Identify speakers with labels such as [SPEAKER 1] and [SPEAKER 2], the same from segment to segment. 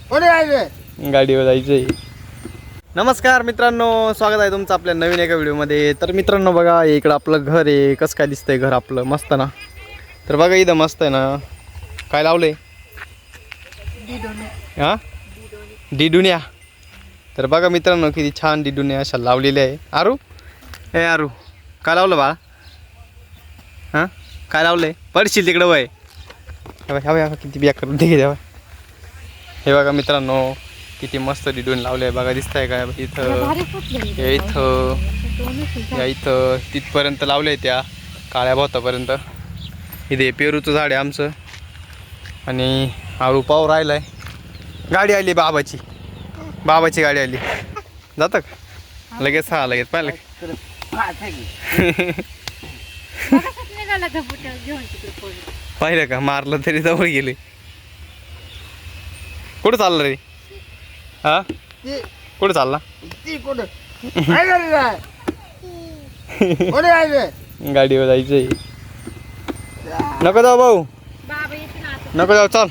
[SPEAKER 1] गाडीवर जायचंय. नमस्कार मित्रांनो, स्वागत आहे तुमचं आपल्या नवीन एका व्हिडिओमध्ये. तर मित्रांनो बघा, इकडं आपलं घर आहे. कसं काय दिसतंय घर आपलं, मस्त ना. तर बघा इथं मस्त आहे ना. काय लावलंय? हां, डिडुन्या. तर बघा मित्रांनो, किती छान डिडुन्या अशा लावलेल्या आहे. आरू, हे आरू, काय लावलं बा? हां, काय लावलंय? पडशील तिकडं वय. ह्या किती बिया करून दे द्यावा. हे बघा मित्रांनो, किती मस्त डिडून लावले आहे बघा. दिसतंय का इथं, या इथं, या इथं तिथपर्यंत लावले आहे त्या काळ्या भातापर्यंत. इथे पेरूचं झाड आहे आमचं. आणि आळू पाव राहिलाय. गाडी आली बाबाची, बाबाची गाडी आली. जातं का लगेच? हा लगेच पाहिलं पाहिलं का? मारलं तरी जवळ गेले. कुठं चाललं रे? हा, कुठं चालला? गाडीवर जायचंय. नको जाऊ भाऊ, नको जाऊ, चल.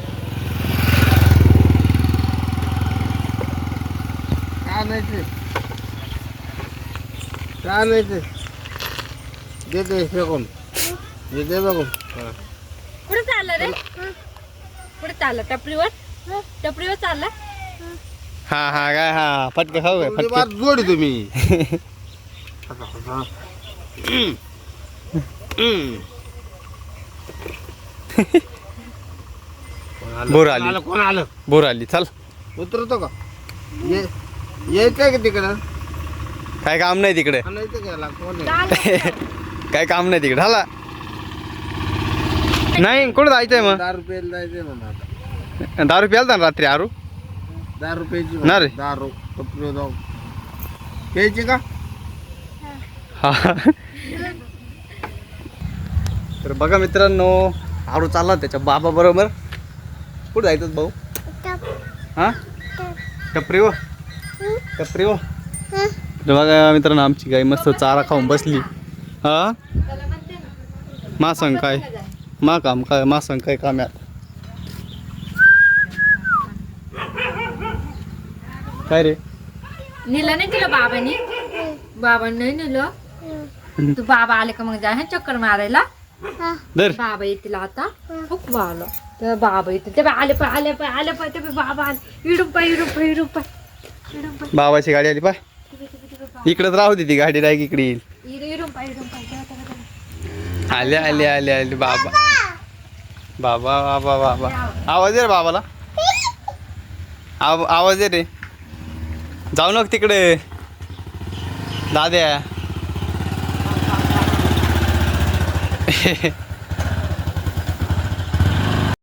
[SPEAKER 2] कुठे चालला रे? कुठे चालला? टपरीवर, टपरीवर चालला.
[SPEAKER 1] हा हा काय, हा फटके खाऊ काय? फटके
[SPEAKER 3] जोडी तुम्ही.
[SPEAKER 1] बोर आली,
[SPEAKER 3] कोण आलं?
[SPEAKER 1] बोर आली. चल,
[SPEAKER 3] उतरतो का? यायचंय का तिकडं?
[SPEAKER 1] काय काम नाही तिकडे.
[SPEAKER 3] आणायचं का याला? कोण आहे?
[SPEAKER 1] काय काम नाही तिकडे. हाला नाही, कुठं जायचंय मग?
[SPEAKER 3] 10 रुपयाला जायचंय म्हणा आता.
[SPEAKER 1] दारू प्यालता ना रात्री आरू?
[SPEAKER 3] 10 रुपयाची
[SPEAKER 1] ना रे.
[SPEAKER 3] दारू टपरी जाऊ प्यायची का?
[SPEAKER 1] हा. तर बघा मित्रांनो, आरू चालला त्याच्या बाबा बरोबर. कुठं जायचं भाऊ? हा, टपरीवर, टपरीवर. तर बघा मित्रांनो, आमची गाई मस्त चारा खाऊन बसली. हा, मा सांग काय, मा काम काय, मा सांग काय काम आहे? काय रे?
[SPEAKER 2] नेलं नाही तिला बाबांनी? बाबांनी नाही नेलं. तू बाबा आले का मग जा चक्कर मारायला.
[SPEAKER 1] दर
[SPEAKER 2] बाबा येतील आता. खूप आलं तर बाबा येतील. ते आले पाय, आले पाय, आले पाय. ते बाबा आले. इडून पाय, इडून पाय, इडून पाय, इडून पाय.
[SPEAKER 1] बाबाची गाडी आली पाय. इकडेच राहू दे ती गाडी, डायरेक्ट इकडे येईल.
[SPEAKER 2] इडून पाय, इडून पाय.
[SPEAKER 1] आले आले आले आले बाबा, बाबा बाबा बाबा. आवाज दे रे बाबाला, आवाज दे रे. जाऊ नका तिकडे दाद्या.